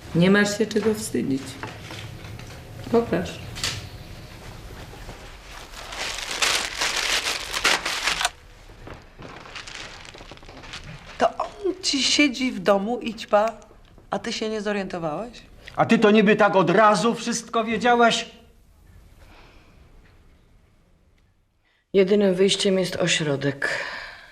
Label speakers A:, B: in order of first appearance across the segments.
A: Nie masz się czego wstydzić. Pokaż.
B: To on ci siedzi w domu i ćpa, a ty się nie zorientowałeś?
C: A ty to niby tak od razu wszystko wiedziałaś?
A: Jedynym wyjściem jest ośrodek.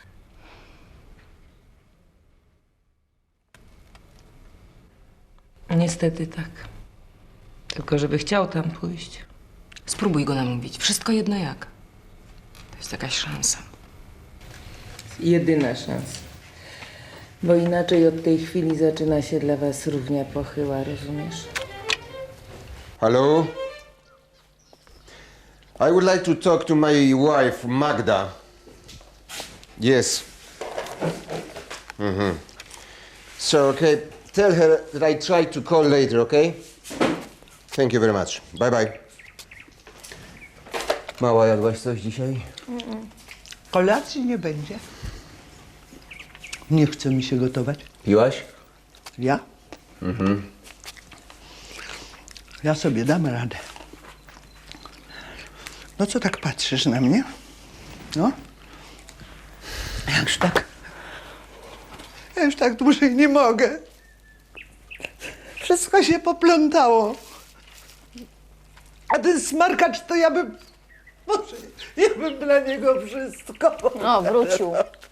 A: Niestety tak. Tylko żeby chciał tam pójść.
D: Spróbuj go namówić. Wszystko jedno jak. To jest jakaś szansa.
A: Jedyna szansa. Bo inaczej od tej chwili zaczyna się dla was równia pochyła, rozumiesz?
E: Hello? I would like to talk to my wife, Magda. Yes. So, okay, tell her that I try to call later, okay? Thank you very much. Bye bye. Mała, jadłaś coś dzisiaj?
B: Kolacji nie będzie. Nie chce mi się gotować.
E: Piłaś?
B: Ja? Ja sobie dam radę. No co tak patrzysz na mnie? No? Ja już tak dłużej nie mogę. Wszystko się poplątało. A ten smarkacz to ja bym... Boże, ja bym dla niego wszystko.
F: O, wrócił.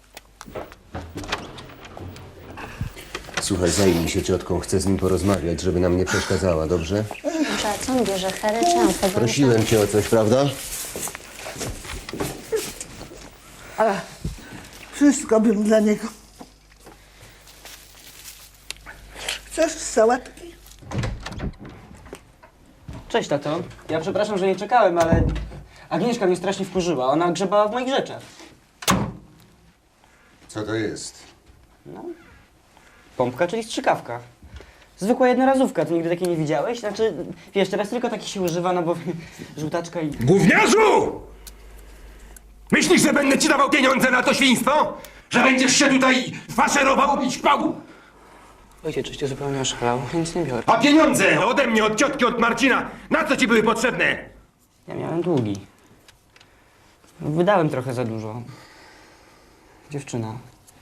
E: Słuchaj, zajmij się ciotką, chcę z nim porozmawiać, żeby nam nie przeszkadzała, dobrze?
F: Dobrze, a co on bierze? Hery czy amfetaminy?
E: Prosiłem cię o coś, prawda?
B: Wszystko bym dla niego. Chcesz sałatki?
G: Cześć, tato. Ja przepraszam, że nie czekałem, ale Agnieszka mnie strasznie wkurzyła. Ona grzebała w moich rzeczach.
E: Co to jest?
G: Pompka, czyli strzykawka. Zwykła jednorazówka. Ty nigdy takiej nie widziałeś? Znaczy, wiesz, teraz tylko taki się używa, no bo żółtaczka i...
H: Gówniarzu! Myślisz, że będę ci dawał pieniądze na to świństwo? Że będziesz się tutaj faszerował i ćpał?
G: Ojciec, czyście zupełnie oszalał. Ja nic nie biorę.
H: A pieniądze ode mnie, od ciotki, od Marcina, na co ci były potrzebne?
G: Ja miałem długi. Wydałem trochę za dużo. Dziewczyna.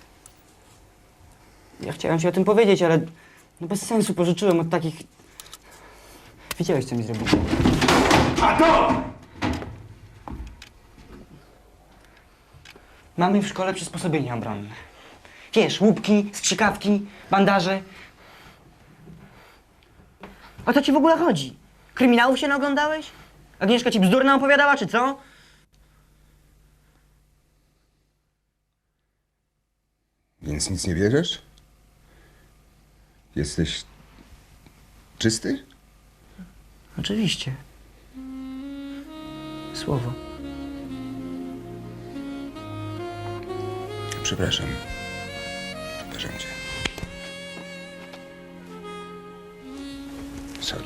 G: Ja chciałem ci o tym powiedzieć, ale no bez sensu pożyczyłem od takich... Wiedziałeś, co mi zrobił.
H: A to!
G: Mamy w szkole przysposobienia obronne. Wiesz, łupki, strzykawki, bandaże. O co ci w ogóle chodzi? Kryminałów się naoglądałeś? Agnieszka ci bzdurna opowiadała, czy co?
E: Więc nic nie bierzesz? Jesteś czysty?
G: Oczywiście. Słowo.
E: Przepraszam. Przepraszam cię. Sorry.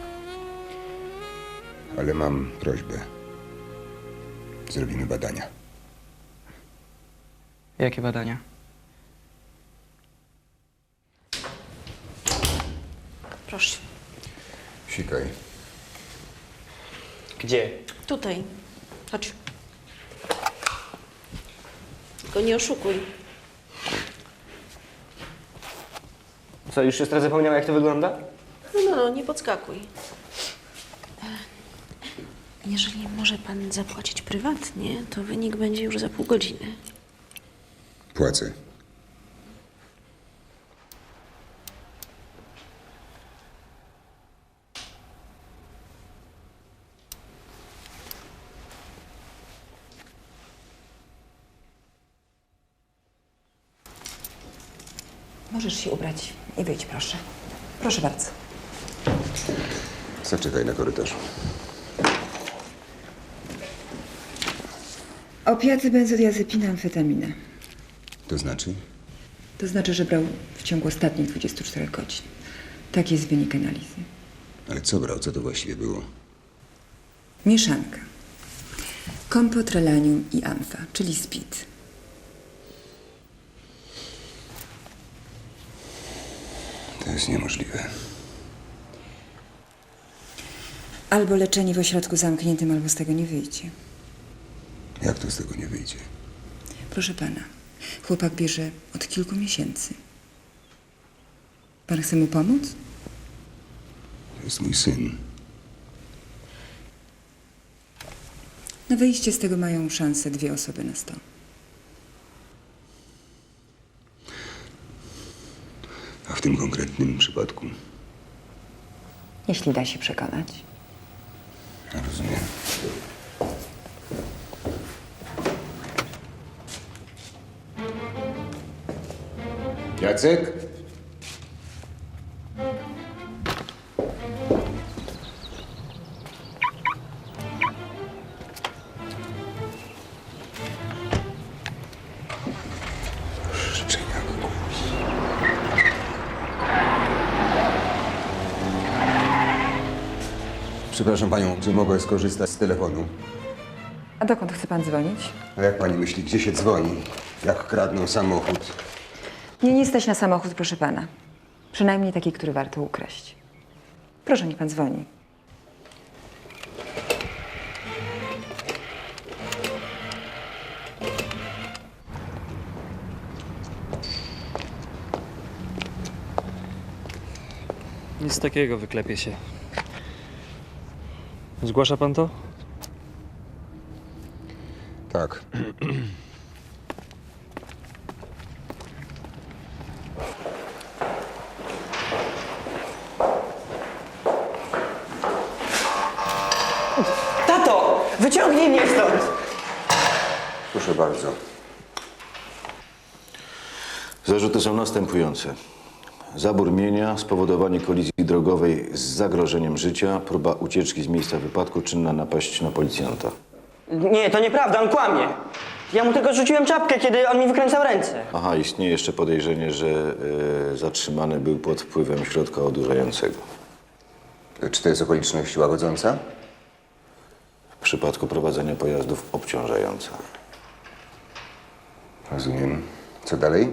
E: Ale mam prośbę. Zrobimy badania.
G: Jakie badania?
F: Proszę.
E: Sikaj.
G: Gdzie?
F: Tutaj. Chodź. Tylko nie oszukuj.
G: Co, już siostra zapomniała, jak to wygląda?
F: No, nie podskakuj. Jeżeli może pan zapłacić prywatnie, to wynik będzie już za pół godziny.
E: Płacę.
I: Możesz się ubrać i wyjdź, proszę. Proszę bardzo.
E: Zaczekaj na korytarzu.
I: Opiaty, benzodiazepina, amfetamina.
E: To znaczy?
I: To znaczy, że brał w ciągu ostatnich 24 godzin. Taki jest wynik analizy.
E: Ale co brał? Co to właściwie było?
I: Mieszanka. Kompotrelanium i amfa, czyli speed.
E: To jest niemożliwe.
I: Albo leczenie w ośrodku zamkniętym, albo z tego nie wyjdzie.
H: Jak to z tego nie wyjdzie?
I: Proszę pana, chłopak bierze od kilku miesięcy. Pan chce mu pomóc?
H: To jest mój syn.
I: Na wyjście z tego mają szansę 2 osoby na 100.
H: A w tym konkretnym przypadku?
I: Jeśli da się przekonać.
H: Rozumiem. Jacek? Życzenia głupi.
E: Przepraszam panią, czy mogę skorzystać z telefonu?
I: A dokąd chce pan dzwonić?
E: A jak pani myśli, gdzie się dzwoni? Jak kradną samochód?
I: Mnie nie stać na samochód, proszę pana. Przynajmniej taki, który warto ukraść. Proszę, niech pan dzwoni.
J: Nic takiego, wyklepie się. Zgłasza pan to?
E: Tak.
G: Tato! Wyciągnij mnie stąd!
E: Proszę bardzo.
K: Zarzuty są następujące. Zabór mienia, spowodowanie kolizji drogowej z zagrożeniem życia, próba ucieczki z miejsca wypadku, czynna napaść na policjanta.
G: Nie, to nieprawda, on kłamie. Ja mu tylko rzuciłem czapkę, kiedy on mi wykręcał ręce.
K: Aha, istnieje jeszcze podejrzenie, że zatrzymany był pod wpływem środka odurzającego.
E: Czy to jest okoliczność łagodząca?
K: W przypadku prowadzenia pojazdów obciążająca.
E: Rozumiem. Co dalej?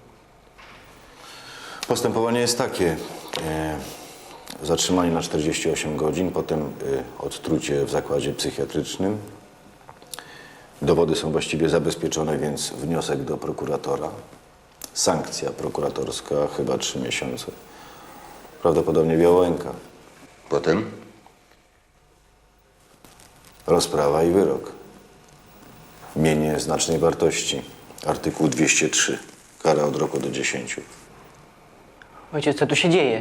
K: Postępowanie jest takie. Zatrzymanie na 48 godzin, potem odtrucie w zakładzie psychiatrycznym. Dowody są właściwie zabezpieczone, więc wniosek do prokuratora. Sankcja prokuratorska, chyba 3 miesiące. Prawdopodobnie Białęka.
E: Potem?
K: Rozprawa i wyrok. Mienie znacznej wartości. Artykuł 203. Kara od roku do 10.
G: Ojciec, co tu się dzieje?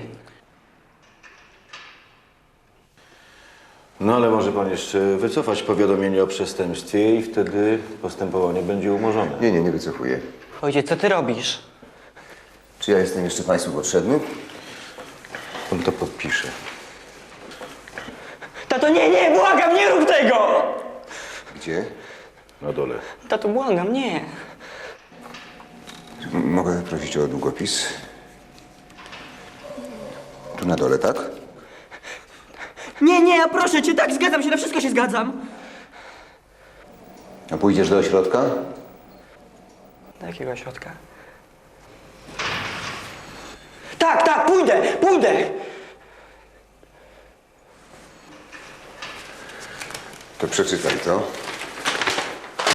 K: No ale może pan jeszcze wycofać powiadomienie o przestępstwie i wtedy postępowanie będzie umorzone.
E: Nie wycofuję.
G: Ojciec, co ty robisz?
E: Czy ja jestem jeszcze państwu potrzebny?
K: On to podpisze.
G: Tato, nie, błagam, nie rób tego!
E: Gdzie?
K: Na dole.
G: Tato, błagam, nie.
E: Mogę prosić o długopis? Tu na dole, tak?
G: Nie, ja proszę cię, tak, zgadzam się, na wszystko się zgadzam.
E: A pójdziesz do ośrodka?
G: Do jakiego ośrodka? Tak, pójdę!
E: To przeczytaj to.